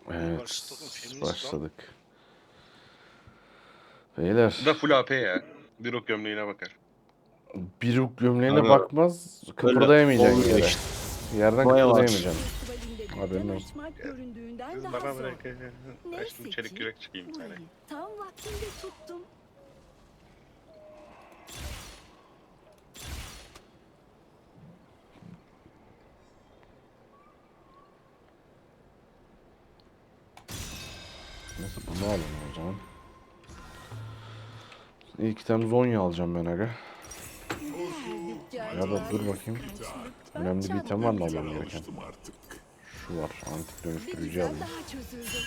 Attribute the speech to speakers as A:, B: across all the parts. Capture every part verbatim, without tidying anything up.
A: Evet,
B: feminist lan.
A: başladık. Beyler,
C: Bu da full A P ya. Bir ok gömleğine bakar.
A: bir uk gömleğine
D: Abi,
A: bakmaz,
D: öyle
A: kıpırdayamayacaksın
D: olmuyor
A: yere.
D: işte.
A: Yerden
D: Maya var.
A: kıpırdayamayacaksın. Haberin olsun.
E: Açmak göründüğünden
C: Siz
E: daha
C: bana
E: zor.
C: bırakın.
E: Neyse
C: Açtım çelik
E: ki
C: yürek çıkayım bir tane.
E: burayı tam vaktinde tuttum.
A: Neyse bunu alalım o zaman. İlk tane Zonya alacağım ben aga. Ya da dur bakayım. Önemli bir item var mı almam gereken? Şu var, antik dönüştürücü alayım.
E: Daha çözüldü.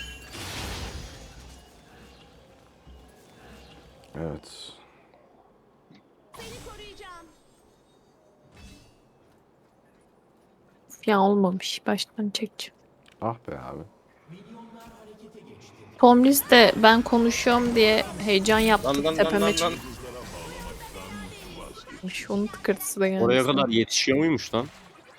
A: Evet.
E: Seni koruyacağım.
F: Ya olmamış. Baştan çekeceğim.
A: Ah be abi.
F: Tomlis de ben konuşuyorum diye heyecan yaptı.
C: Lan lan lan
F: Tepeme
C: lan lan.
F: çıkmış. Onun tıkırtısı da geldi.
D: Oraya kadar yetişiyor muymuş lan?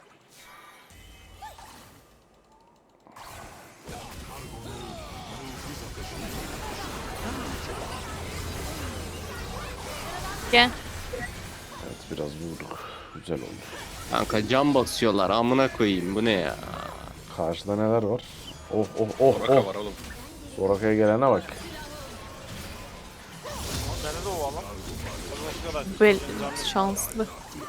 F: Gel.
A: Evet biraz vurduk. Güzel oldu.
D: Kanka cam basıyorlar amına koyayım bu ne ya?
A: Karşıda neler var? Oh oh oh
C: Soraka
A: oh.
C: var oğlum.
A: Soraka'ya gelene bak.
B: Bende de o alan. Bakıyorlar.
F: Bel şanslı.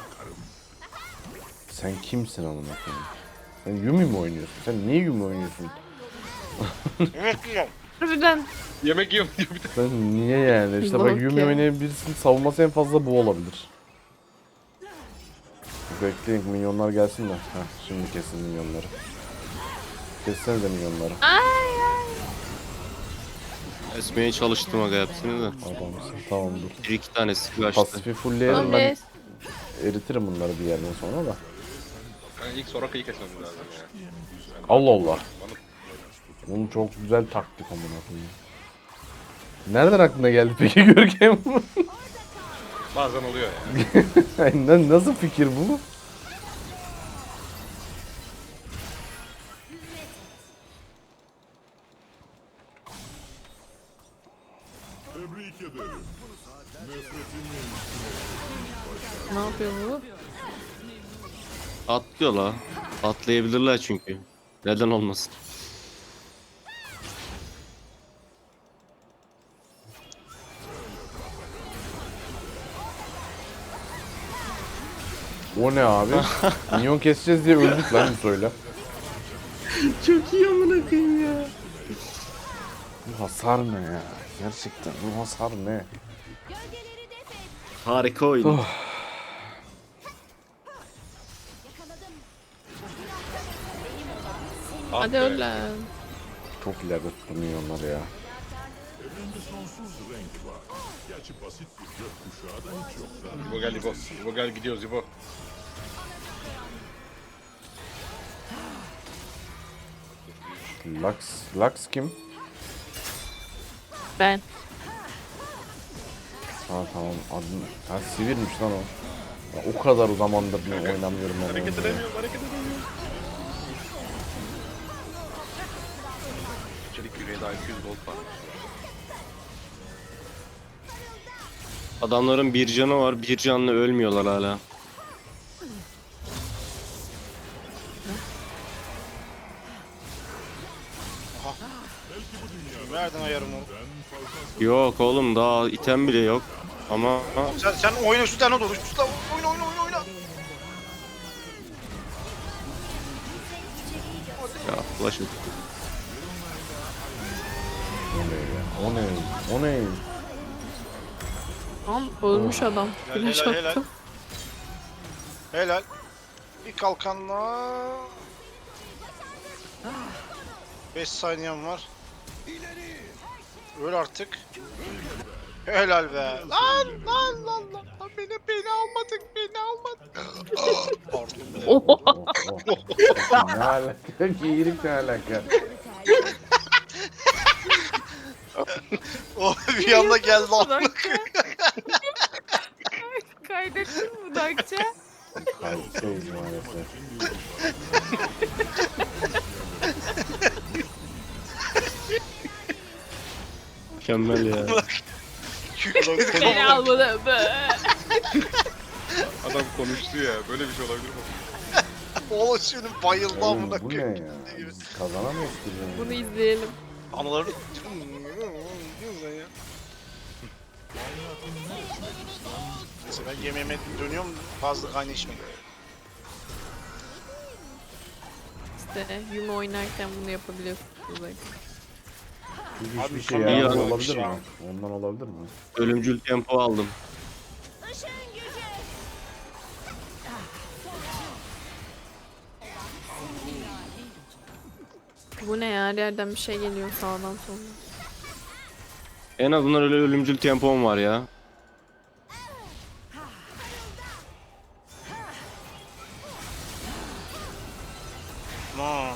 A: Sen kimsin amına koyayım? Sen Yumi mi oynuyorsun? Sen niye Yumi oynuyorsun?
B: Evet diyorum.
F: Harbiden.
C: Yemek yiyorum diyor bir de.
A: Sen niye yani? İşte bak
F: Bak
A: Yumi
F: ya.
A: oynayan birisinin savunması en fazla bu olabilir. Bekleyin minyonlar gelsin de. Heh, şimdi kesin minyonları. Kessenize minyonları.
D: Esmeye çalıştım aga hepsini de.
A: Adamsın. Tamam dur.
D: Bir iki tanesi kaçtı.
A: Pasifi fullleyelim ben
F: Tomlis.
A: eritirim bunları bir yerden sonra da.
C: Yani ilk Soraka'yı kesmemiz lazım ya.
A: Allah Allah.
C: Bana
A: Bunun çok güzel taktik amına koyayım. Nereden aklına geldi peki Görkem?
C: bazen oluyor ya.
A: Aynen, nasıl fikir bu?
F: Ne yapıyor bu?
D: Atlıyor la. Atlayabilirler çünkü. Neden olmasın?
A: O ne abi? Minyon keseceğiz diye öldük lan söyle.
D: Çok iyi amına koyayım ya.
A: Bu hasar ne ya? Gerçekten bu hasar ne?
D: Harika oyun.
A: Oh.
C: Ah
F: Hadi
C: be.
F: öl lan.
A: Çok ileride tuttu minyonları ya.
C: İbo gel İbo. İbo gel gidiyoruz İbo.
A: Lux, Lux kim?
F: Ben.
A: Ha tamam adın. Ha Sivir'miş lan o. Ya, o kadar o zamandır ben oynamıyorum ben.
C: Hareket
A: oyunu ya.
C: edemiyorum hareket edemiyorum. Çelik yüreğe daha iki yüz gold var.
D: Adamların bir canı var, bir canlı ölmüyorlar hala.
B: Nereden ayarım onu?
D: Yok oğlum daha item bile yok. Ama
B: Sen, sen oyna şu tane doğru. Şu tane oyna oyna oyna oyna.
D: ya flash at.
A: O ne ya? O ne? O ne?
F: Tam ölmüş adam.
B: Helal,
F: Flash
B: helal, helal.
F: attım.
B: Helal. Bir kalkanla. beş saniyem var. Öl artık. Helal be. Lan lan lan lan. Lan Beni beni almadık beni almadık. Pardon be.
F: Oha.
A: Oh, oh. Ne alaka? Giyirik ne alaka?
B: O bir anda geldi lan.
F: Dakika. Kaydettin mi Dakça?
A: Kayıttayız maalesef.
D: Mükemmel ya.
F: Beni almadı.
C: Adam konuştu ya. Böyle bir şey olabilir mi?
B: Oğlum şimdi bayıldı
A: Oğlum
B: amına
A: bu ne
B: koyayım.
A: ya? Biz kazanamayız ki. bunu.
F: Bunu izleyelim.
B: Anıları... Neyse ben yemeğime dönüyorum fazla kaynağı içmedim.
F: İşte Yuma oynarken bunu yapabiliyorsunuz. Bak.
A: Çünkü
B: Abi
A: hiçbir şey
B: mükemmel
A: yaramaz
F: bir
A: olabilir
B: şey
A: mi?
B: ya.
A: Ondan olabilir mi?
D: Ölümcül tempo aldım.
E: Işın gücü.
F: Bu ne ya? Her yerden bir şey geliyor sağdan soldan.
D: En azından öyle ölümcül tempom var ya.
B: Hmm.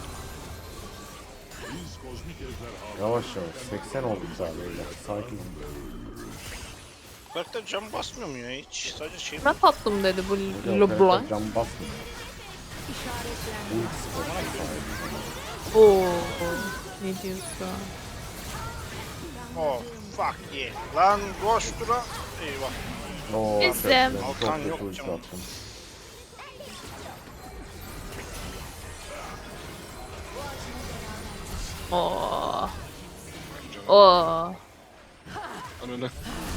A: Yavaş yavaş. seksen olduk sadece. Sakin ol.
B: Karakter cam basmıyor mu ya hiç? Sadece şey mi?
F: Ben tatlım dedi bu
A: Hocam,
F: LeBlanc.
A: karakter Cam basmıyor.
F: Oo. Ne diyorsun?
B: Oh fuck yeah. Lan koş dura. Eyvah.
A: Oo,
F: Bizim.
A: arkadaşlar,
B: Alkan
A: çok
B: yok
A: kötü ulti
B: canım.
A: attım.
F: Oo. Oo.
C: Ananı.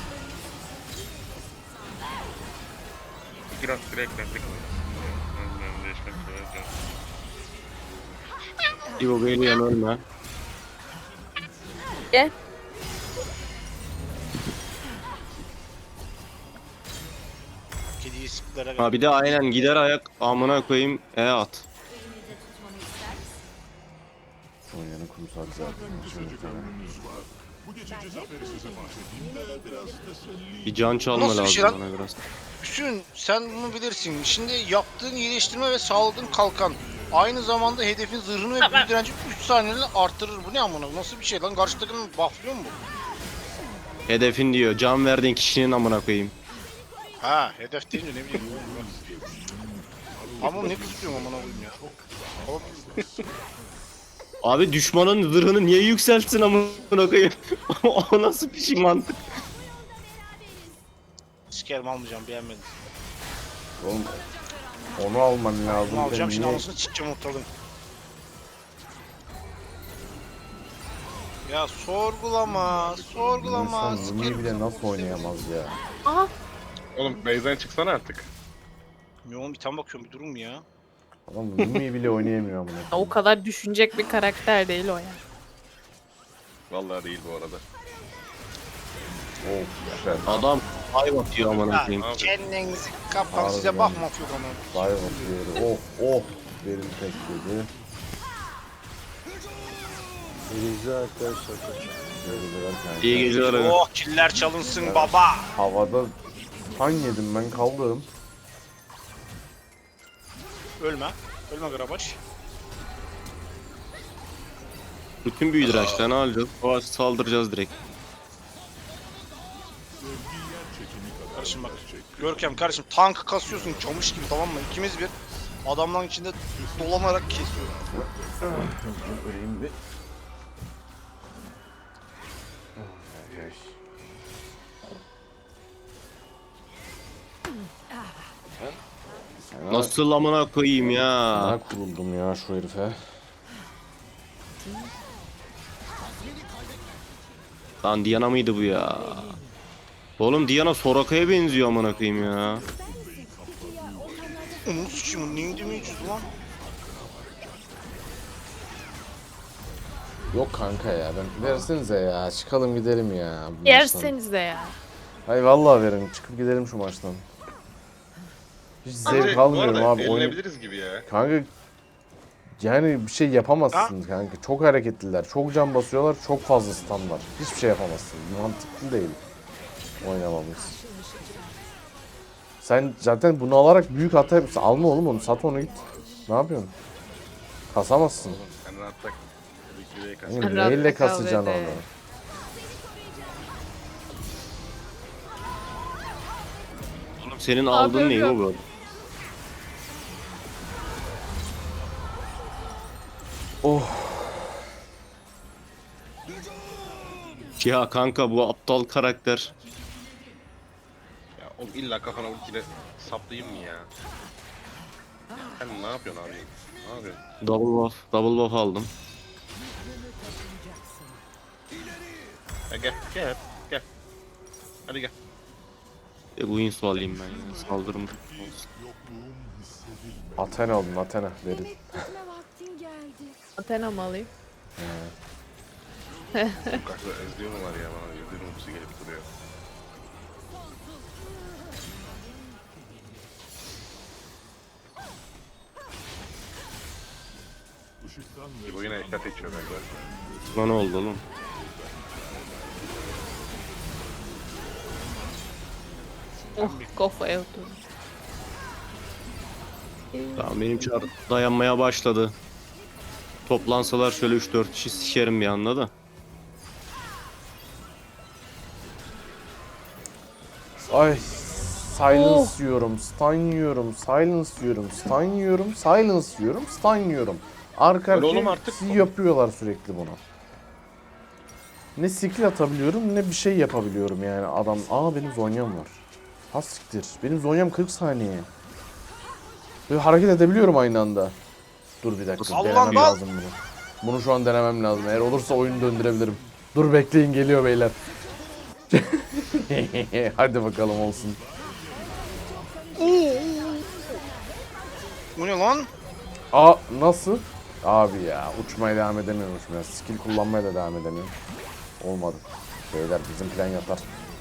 C: Biraz direklendik.
D: İbo Beyliyen ölme.
F: Gel.
B: Kediyi sıklara
D: Ha bir de aynen gider ayak amına koyayım E at.
A: Oynayanı kursak zaten. Şimdi muhtemelen.
D: Bir can çalma
B: Nasıl bir şey
D: lazım
B: lan?
D: bana biraz.
B: Hüsnü sen bunu bilirsin. Şimdi yaptığın iyileştirme ve sağladığın kalkan aynı zamanda hedefin zırhını ve büyü direnci üç saniyede arttırır. Bu ne amına? Nasıl bir şey lan? Karşı takımın bufflıyor mu bu?
D: Hedefin diyor. Can verdiğin kişinin amına koyayım.
B: Ha, hedef deyince ne bileyim. Ama ne kızıyorum amına koyayım ya. Oğlum,
D: Abi düşmanın zırhını niye yükseltsin amına koyayım? O nasıl bir şey mantık?
B: sikerim almayacağım beğenmedim.
A: Oğlum onu alman lazım.
B: Bunu alacağım
A: Ben
B: şimdi
A: niye-
B: anasını çıkacağım ortalığın. Ya sorgulama, sorgulama.
A: İnsan Yumi'yi bile nasıl oynayamaz ya?
F: Aha.
C: Oğlum base'den çıksana artık.
B: Ya oğlum bir tam bakıyorum bir durum ya.
A: Adam Yumi'yi bile oynayamıyor amına
F: O
A: koyayım.
F: kadar düşünecek bir karakter değil o ya.
C: Vallahi değil bu arada.
A: Of güzel.
D: Adam ay batıyor amına
B: Ya
D: koyayım.
C: Abi.
B: kendinizi kapan size
A: Harbiden.
B: bakma yok ama.
A: Dive atıyor. Of of. Benim tek yedi. İyi geceler arkadaşlar.
D: İyi geceler abi.
B: Oh killer çalınsın baba.
A: Havada kan yedim ben kaldım.
B: Ölme. Ölme Grabaş.
D: Bütün büyü dirençten ne alacağız? O saldıracağız direkt.
B: Kardeşim bak. Görkem kardeşim tank kasıyorsun çamış gibi tamam mı? İkimiz bir adamların içinde dolanarak kesiyor.
A: Öleyim bir.
D: Nasıl amına koyayım ya?
A: Bana kuruldum ya şu herife.
D: Lan Diana mıydı bu ya? Oğlum Diana Soraka'ya benziyor amına koyayım ya.
B: Onu sıçayım neydi mi yüzü lan?
A: Yok kanka ya ben versenize ya çıkalım gidelim ya. bu maçtan.
F: Yersenize ya.
A: Hayır vallahi verin çıkıp gidelim şu maçtan. Hiç zevk
C: Bence bu
A: almıyorum
C: arada
A: abi oyun.
C: eğlenebiliriz gibi ya.
A: Kanka yani bir şey yapamazsın kanka. Çok hareketliler, çok can basıyorlar, çok fazla stun var. Hiçbir şey yapamazsın. Mantıklı değil oynamamız. Sen zaten bunu alarak büyük hata yapıyorsun. Alma oğlum onu, sat onu git. Ne yapıyorsun? Kasamazsın.
C: Sen rahat tak. Tabii ki de
A: Yani
F: Rahat
A: neyle
F: kal
A: kasacaksın
F: dedi.
A: onu?
D: Oğlum senin aldığın ne
F: yok.
D: bu?
A: Oh.
D: Ya kanka bu aptal karakter.
C: Ya oğlum illa kafana ultiyle saplayayım mı ya? Sen ne yapıyorsun abi? Ne yapıyorsun?
D: Double buff, double buff aldım.
C: Ya gel gel gel. Hadi gel.
D: E bu insu alayım ben ya. Saldırım olsun.
A: Athena alın Athena verin.
E: Yemek bitme vaktin geldi.
F: Athena mı alayım?
C: Sokakta ezliyor mu var ya bana? Ezliyor mu gelip duruyor. Bu yine eşya seçiyor bence.
D: Buna ne oldu oğlum?
F: Oh kafaya oturdu.
D: Tamam benim çar dayanmaya başladı. Toplansalar şöyle üç dört kişi sikerim bir anda da.
A: Ay silence yiyorum, stun yiyorum, silence yiyorum, stun yiyorum, silence yiyorum, stun yiyorum. Arka
C: Öyle oğlum
A: arkaya
C: artık.
A: yapıyorlar sürekli bunu. Ne skill atabiliyorum ne bir şey yapabiliyorum yani adam. Aa benim zonyam var. Ha siktir. Benim zonyam kırk saniye. Böyle hareket edebiliyorum aynı anda. Dur bir dakika
B: Allah
A: denemem
B: Allah!
A: lazım bunu. Bunu şu an denemem lazım. Eğer olursa oyunu döndürebilirim. Dur bekleyin geliyor beyler. Hadi bakalım olsun.
B: Bu ne lan?
A: Aa nasıl? Abi ya uçmaya devam edemiyormuşum ya. Skill kullanmaya da devam edemiyorum. Olmadı. Beyler bizim plan yatar.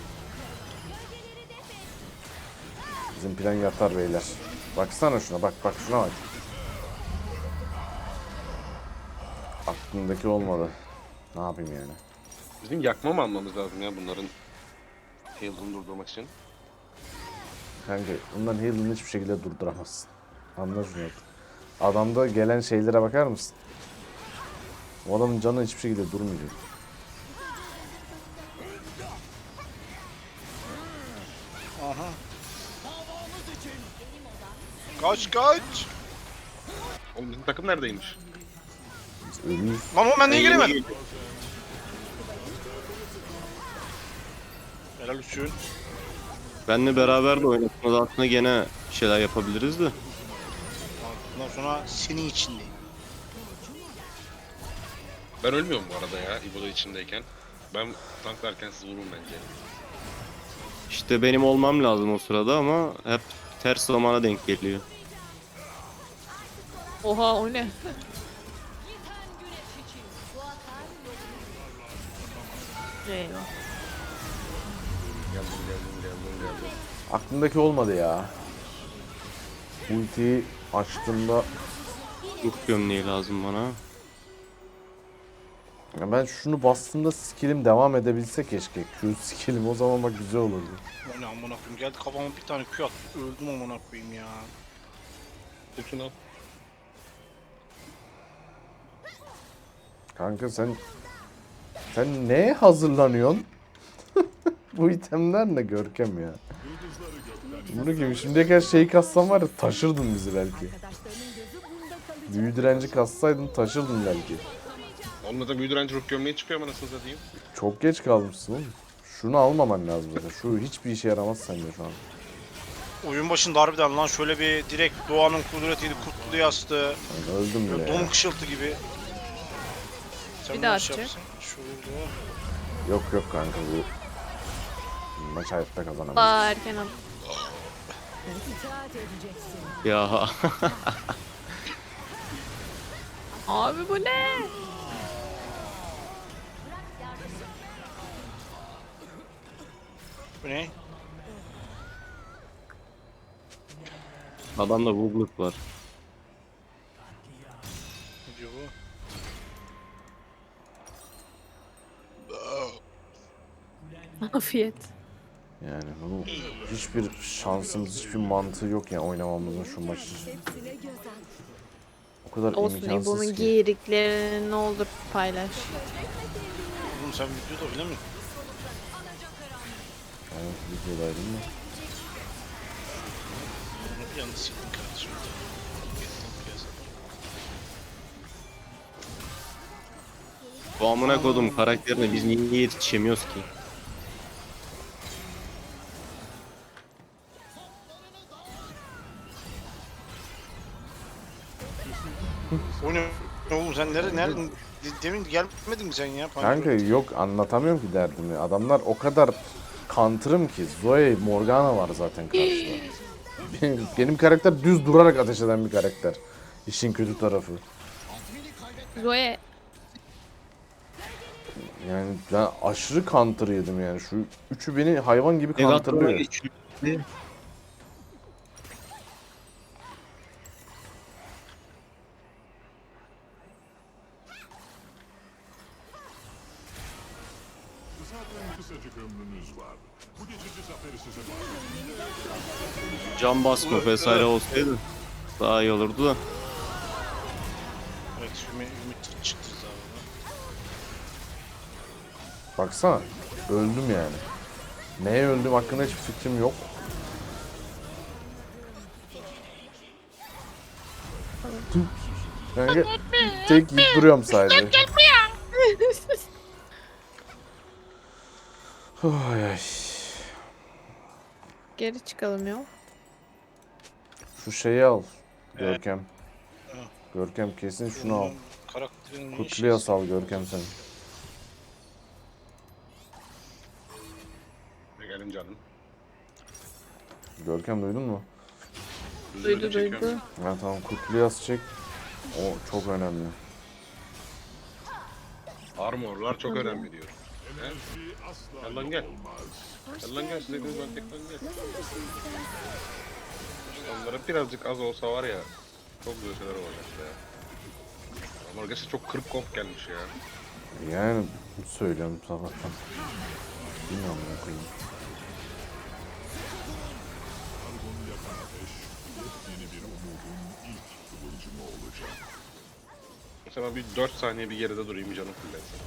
A: Bizim plan yatar beyler. Baksana şuna bak bak şuna bak. Aklımdaki olmadı. Ne yapayım yani?
C: Bizim yakma mı almamız lazım ya bunların heal'ını durdurmak için?
A: Kanka bundan heal'ını hiçbir şekilde durduramazsın. Anla şunu artık. Adamda gelen şeylere bakar mısın? O adamın canı hiçbir şekilde durmayacak.
B: Aha. Kaç kaç.
C: Oğlum bizim takım neredeymiş?
A: Biz ölüyüz.
B: Lan oğlum ben niye giremedim? Helal olsun.
D: Benle beraber de oynatmaz aslında gene şeyler yapabiliriz de.
B: Bundan sonra senin içindeyim.
C: Ben ölmüyorum bu arada ya İbo'da içindeyken. Ben tanklarken siz vurun bence.
D: İşte benim olmam lazım o sırada ama hep ters zamana denk geliyor.
F: Oha o ne? Eyvah.
C: Geldim geldim geldim geldim.
A: Aklımdaki olmadı ya. Ultiyi açtığımda
D: Ruh gömleği lazım bana.
A: ya ben şunu bastığımda skillim devam edebilse keşke. Q skillim o zaman bak güzel olurdu.
B: O ne amına koyayım, geldi kafama bir tane Q attı. Öldüm amına koyayım ya.
C: Tutun al.
A: Kanka sen sen neye hazırlanıyorsun? Bu itemler ne Görkem ya. Bunu gibi şimdiye kadar şey kassan var ya taşırdın bizi belki.
E: Arkadaşlarının gözü bunda kalacak.
A: Büyü direnci kassaydın taşırdın belki.
C: Onunla da büyü direnci ruh gömleği çıkıyor ama nasıl satayım?
A: Çok geç kalmışsın oğlum. Şunu almaman lazım zaten. Şu hiçbir işe yaramaz sende şu an.
B: Oyun başında harbiden lan şöyle bir direkt doğanın kudretiydi, kurtluğu yastı.
A: Yani öldüm bile
B: Böyle
A: ya.
B: don kışıltı gibi. Sen
F: Bir
B: bunu
F: daha
B: şey
F: atacak.
B: yapsın. Şöyle.
A: Yok yok kanka bu maç hayatta kazanamayız.
F: Aa erken al.
E: İtaat edeceksin.
D: Ya
F: Abi bu ne?
B: Bu ne?
D: adamda bugluk var.
B: Ne diyor bu?
F: Afiyet.
A: Yani bunu hiçbir şansımız, hiçbir mantığı yok yani oynamamızın şu maçı.
E: Hepsine göz at.
A: O kadar
F: Olsun
A: imkansız
F: bunun
A: ki.
F: giyiriklerini ne olur paylaş.
B: Oğlum sen videoda bile mi?
A: Evet, videodaydım da.
B: Bunu bir anda siktin kardeşim. Getirdim piyasada.
D: Bu amına kodum karakterine biz niye yetişemiyoruz ki?
B: O ne? Oğlum sen nerede? Nerede? Demin gelmedin mi sen ya?
A: Kanka yok anlatamıyorum ki derdimi. Adamlar o kadar counter'ım ki. Zoe Morgana var zaten karşıda. Benim, benim karakter düz durarak ateş eden bir karakter. İşin kötü tarafı.
F: Zoe
A: Yani ben aşırı counter yedim yani. Şu üçü beni hayvan gibi
D: Megatron'a
A: counterlıyor.
D: geçiyor.
G: Zaten kısacık ömrünüz var. Bu geçici zaferi size
D: Can basma vesaire olsaydı daha iyi olurdu da.
B: Evet, Ümit, Ümit çıktı zaten.
A: Baksana. Öldüm yani. Neye öldüm hakkında hiçbir fikrim yok. Yani tek yiyip duruyorum sadece. Ay ay.
F: geri çıkalım ya.
A: Şu şeyi al. Görkem. Görkem kesin şunu al.
B: Karakterin ne
A: Kutluya
B: işi?
A: sal Görkem sen.
C: Gelin canım.
A: Görkem duydun mu?
F: Duydu
C: Çekiyorum.
F: duydu.
A: Ya tamam Kutluya çek. O çok önemli.
C: Armorlar çok önemli diyor.
G: enerji asla
C: Gel lan
G: yok
C: gel.
G: olmaz.
C: Gel lan gel size dedim ben tek lan gel.
E: Nasıl düşünsen?
C: Onlara birazcık az olsa var ya. Çok güzel şeyler olacak ya. Ama gerçekten çok kırık komp gelmiş ya.
A: Yani söylüyorum sabahtan. Bilmiyorum ne koyayım.
G: Argon'u yakan ateş, yepyeni bir umudun ilk kıvılcımı olacak.
C: Mesela bir dört saniye bir geride durayım canım fullensin.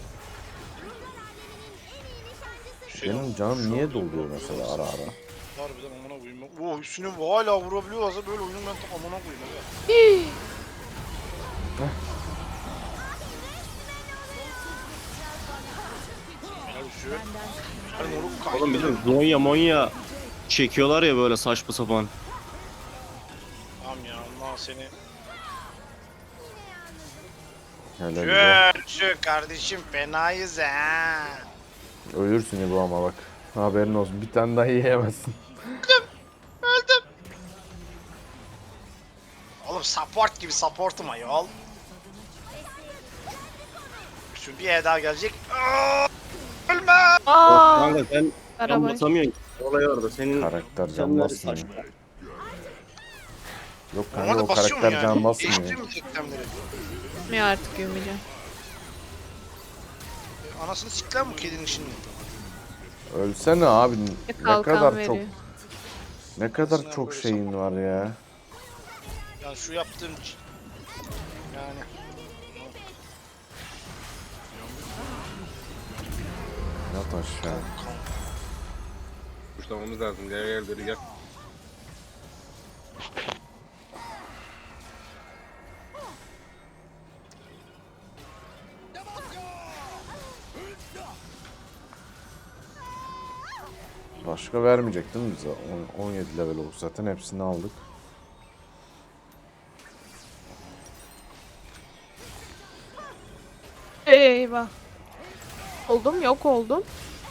B: Şey,
A: Benim canım niye doluyor mesela ara ara?
B: harbiden amına koyayım. Oo üstüne hala vurabiliyorlarsa böyle oyunun ben tam amına koyayım. Evet. Helal olsun. Helal moruk kaydı.
D: Oğlum bizim Zonya Monya çekiyorlar ya böyle saçma sapan.
B: Tamam ya Allah seni.
A: Helal ya.
B: Şu, şu kardeşim fenayız ha.
A: Ölürsün ya bu ama bak. Haberin olsun. Bir tane daha yiyemezsin.
B: Oğlum support gibi supportum ayol. Şu bir E daha gelecek. Aa, ölme.
F: Aa,
D: Kanka sen can
F: araba.
D: basamıyorsun. Olay orada senin
A: Karakter can
D: canları
A: basmıyor.
D: saçma.
A: Yok kanka
B: Ama
A: o
B: da basıyor mu
A: karakter
B: yani?
A: can basmıyor.
B: Değiştiriyor mu teklemleri?
F: Gitmiyor artık Ümitcan.
B: Anasını sikler mi kedinin şimdi?
A: Ölsene abi.
F: Bir
A: Ne
F: kalkan
A: kadar
F: veriyor.
A: çok ne kadar
B: Aslında
A: çok
B: böyle
A: şeyin var ya.
B: Yani şu yaptığım ç- yani
A: Yat aşağı.
C: Kuşlamamız lazım. Gel gel beri gel.
A: Başka vermeyecek değil mi bize? on- on yedi level oldu zaten hepsini aldık.
F: Eyvah. Oldum yok oldum.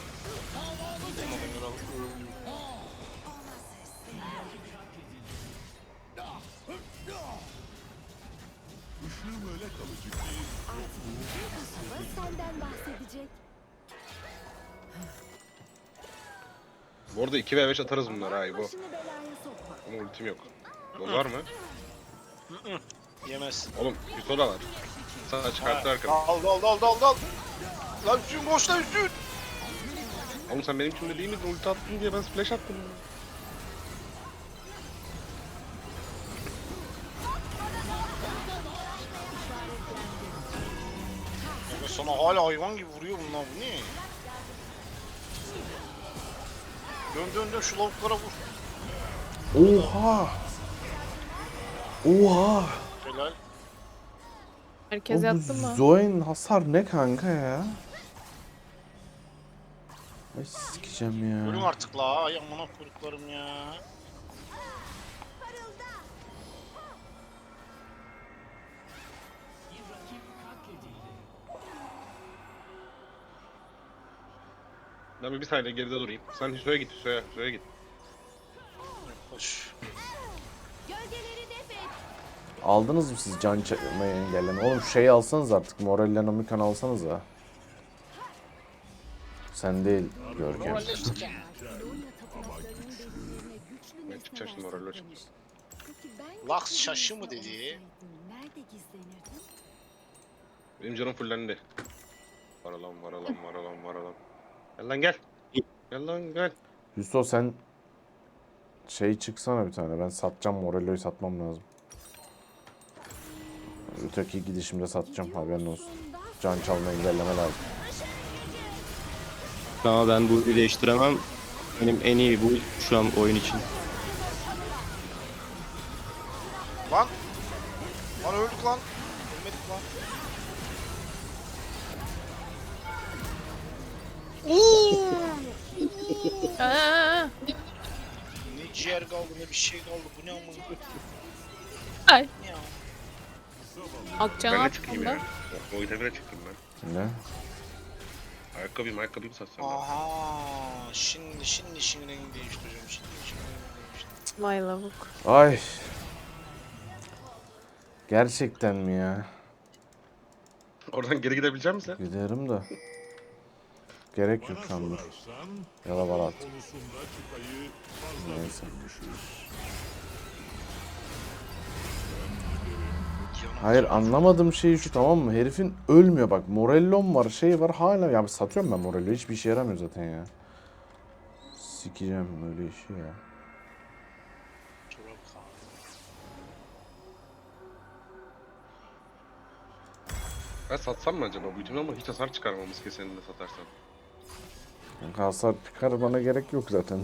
G: Işığım öyle kalıcı ki
E: Kasaba senden bahsedecek.
C: Bu arada iki ve beş atarız bunlar ha bu.
E: Başını belaya sokma.
C: Ama ultim yok. Doz var mı?
B: yemezsin.
C: Oğlum Hüso da var. Sana çıkarttı arkadaş.
B: Dal dal dal dal dal. Lan Hüsnü boş lan Hüsnü.
C: Oğlum sen benim içimde değil miydin? Ulti attın diye ben flash attım.
B: Ya sana hala hayvan gibi vuruyor bunlar bu ne? Dön dön dön şu lavuklara vur.
A: Oha! Oha!
B: Helal.
F: Herkes
A: O bu
F: yattı mı?
A: Zoe'nin hasar ne kanka ya? Ay sikeceğim
B: Ölüm
A: ya.
B: artık la. Ay amına koyduklarım ya.
C: Ben bir, bir saniye geride durayım. Sen Hüso'ya git, Hüso'ya, Hüso'ya git.
B: Hoş.
E: Gölgeleri def et.
A: Aldınız mı siz can çekmeyi engelleme? Oğlum şeyi alsanız artık. Morellen Omikan alsanız ha. Sen değil Görkem.
B: Normalleştik ya.
E: Barcelona tapınaklarının derinlerine güçlü
C: Ben çıkacağım şimdi,
E: nesneler
C: moralle
E: saklanır. Peki ben
B: Laks
E: gitsem
B: şaşı mı
E: orada
B: dedi?
E: Nerede gizlenirdim?
C: Benim canım fullendi. Var alan, var alan, var alan, var alan. Gel lan gel. Gel lan gel.
A: Hüso sen şey çıksana bir tane. Ben satacağım. Morello'yu satmam lazım. Öteki gidişimde satacağım. Haberin olsun. Can çalma engelleme lazım.
D: Ama ben bu değiştiremem. Benim en iyi bu şu an oyun için.
B: Lan. Lan öldük lan. Ölmedik lan.
F: Aa,
B: Ne ciğer kaldı ne bir şey kaldı. Bu ne amına koyayım
F: ay.
B: ya.
F: Akçan
C: Ben de çıkayım
F: hakkında.
C: ya. O itebire çıktım ben.
A: Ne?
C: Ayakkabıyım, ayakkabıyı satsam ben.
B: Aha. Şimdi şimdi şimdi rengi değiştireceğim. Şimdi şimdi rengi değiştireceğim.
F: Vay lavuk.
A: Ay. Gerçekten mi ya?
C: Oradan geri gidebilecek misin sen?
A: Giderim de. Gerek yok
G: Bana
A: şu an dur.
G: sorarsan
A: Ya da var at.
G: konusunda çıtayı fazla
A: Neyse.
G: düşünmüşüz.
A: Hayır anlamadığım şey şu, tamam mı? Herifin ölmüyor bak. Morellon var, şey var hala. Ya satıyorum ben Morello'yu. Hiçbir işe yaramıyor zaten ya. Sikeceğim öyle işi ya.
B: Çorap kaldı.
C: Ben satsam mı acaba bu itemi ama hiç hasar çıkarmamız kesinlikle satarsam.
A: Kanka hasar çıkar bana gerek yok zaten.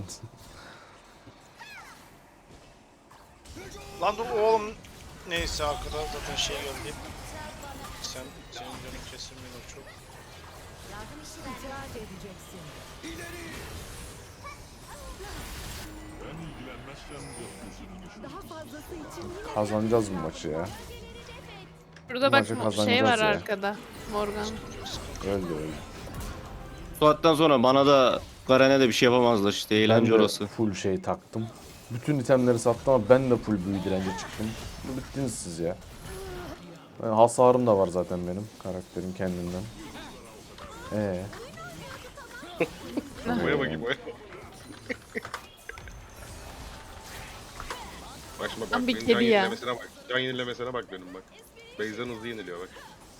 B: Lan dur oğlum. Neyse arkada zaten şey geldi. Sen senin canın kesilmiyor çok.
E: İtiraz edeceksin.
G: Ben ilgilenmezsem gökyüzünü düşün.
E: Daha fazlası için yine
A: Kazanacağız bu maçı ya.
F: Burada bak
A: Maçı
F: mo-
A: kazanacağız
F: şey var
A: ya.
F: arkada. Morgan.
A: Öldü öldü.
D: Bu saatten sonra bana da Garen'e de bir şey yapamazlar işte. Eğlence
A: Ben de
D: orası.
A: full şey taktım. Bütün itemleri sattım ama ben de full büyü direnci çıktım. Bittiniz siz ya. Ben, hasarım da var zaten benim. Karakterim kendinden. Ee.
C: Boya bakayım boya. Bak şimdi bak,
F: Tam bir
C: benim
F: kedi
C: can
F: ya.
C: yenilemesine bak. Can yenilemesine bak benim bak. Base'den hızlı yeniliyor bak.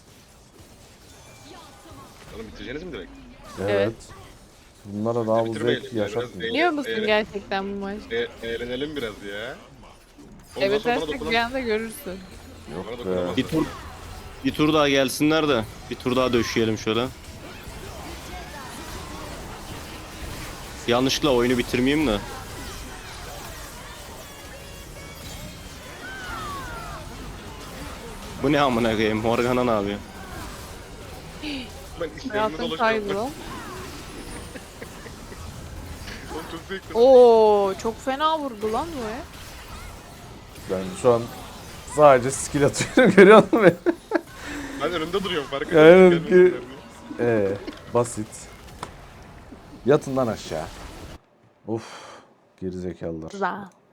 C: Oğlum bitireceğiniz mi direkt?
A: Evet. Bunlara daha bu
C: Bitirmeyelim
A: zevk
C: ya, biraz
A: yaşatmıyor.
F: Biliyor musun
C: Eğlen-
F: gerçekten bu maç?
C: E, eğlenelim biraz ya. Ondan
F: Evet
C: sonra bana
F: artık bir
C: dokunan-
F: anda görürsün.
A: Yok
C: Bana
A: be.
C: dokunamazlar.
D: Bir tur bir tur daha gelsinler de bir tur daha döşeyelim şöyle. Yanlışlıkla oyunu bitirmeyeyim de. Bu ne amına koyayım? Morgana ne yapıyor?
C: Ben işlerimde
F: Hayatım
C: dolaşıyorum.
F: kaydı
C: bak.
F: lan.
C: Oğlum çok zevkli.
F: Oo çok fena vurdu lan bu ya.
A: Ben şu an sadece skill atıyorum görüyor musun beni?
C: Ben önünde duruyorum fark
A: Yani
C: etmiyorum.
A: ki- Ee, basit. Yatın lan aşağı. Of, gerizekalılar.
F: Za.